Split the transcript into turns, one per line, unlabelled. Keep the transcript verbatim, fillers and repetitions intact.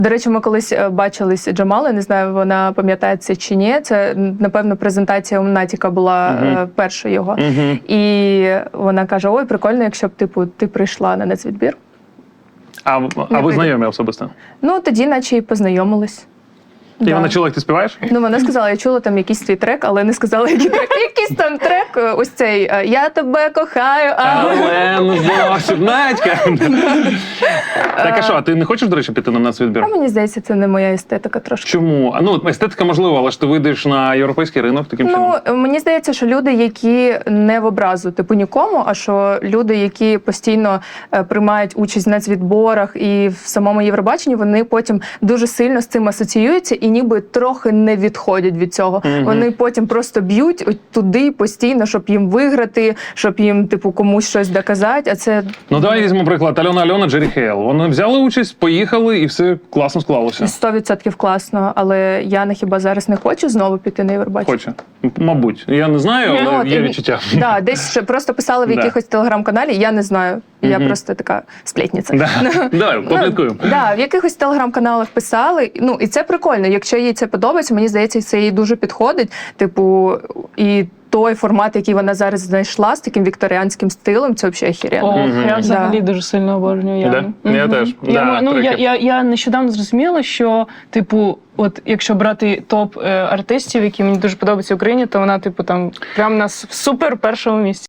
До речі, ми колись бачились з Джамалою, не знаю, вона пам'ятає це чи ні. Це, напевно, презентація у Натіка була uh-huh. перша його. Uh-huh. І вона каже, ой, прикольно, якщо б типу, ти прийшла на нацвідбір.
А, а ви знайомі особисто?
Ну, тоді наче і познайомились.
І
да.
вона чула, як ти співаєш?
Ну, вона сказала, я чула там якийсь твій трек, але не сказала, який трек. Якийсь там трек, ось цей «Я тебе кохаю, але...»
Але, ну, зовсім, Надька! Так, а що, а ти не хочеш, до речі, піти на нацвідбір?
А мені здається, це не моя естетика трошки.
Чому? Ну, естетика можливо, але ж ти вийдеш на європейський ринок таким чином?
Ну, мені здається, що люди, які не в образу, типу, нікому, а що люди, які постійно е, приймають участь в нацвідборах і в самому Євробаченні, вони потім дуже сильно з цим асоціюються і ніби трохи не відходять від цього. Mm-hmm. Вони потім просто б'ють от туди постійно, щоб їм виграти, щоб їм, типу, комусь щось доказати, а це...
Ну, давай візьмемо приклад. Альона Альона, Джері Хейл. Вони взяли участь, поїхали, і все класно склалося.
Сто відсотків класно, але Яна хіба зараз не хоче знову піти на Євробачення?
Хоче. Мабуть. Я не знаю, але
ну,
є
і...
відчуття.
Так, да, десь ще просто писали в якихось телеграм-каналі, я не знаю. Я mm-hmm. просто така сплетниця.
Да. Давай, попліткуємо.
Ну, да, в якихось телеграм-каналах писали. Ну, і це прикольно. Якщо їй це подобається, мені здається, це їй дуже підходить. Типу, і той формат, який вона зараз знайшла з таким вікторіанським стилем, це взагалі охеренно.
О, mm-hmm. я взагалі
да.
дуже сильно обожнюю Яну.
Да? Mm-hmm. Я теж.
Я,
да,
ну, я, я, я нещодавно зрозуміла, що, типу, от якщо брати топ е, артистів, які мені дуже подобаються в Україні, то вона, типу, там прям на супер першому місці.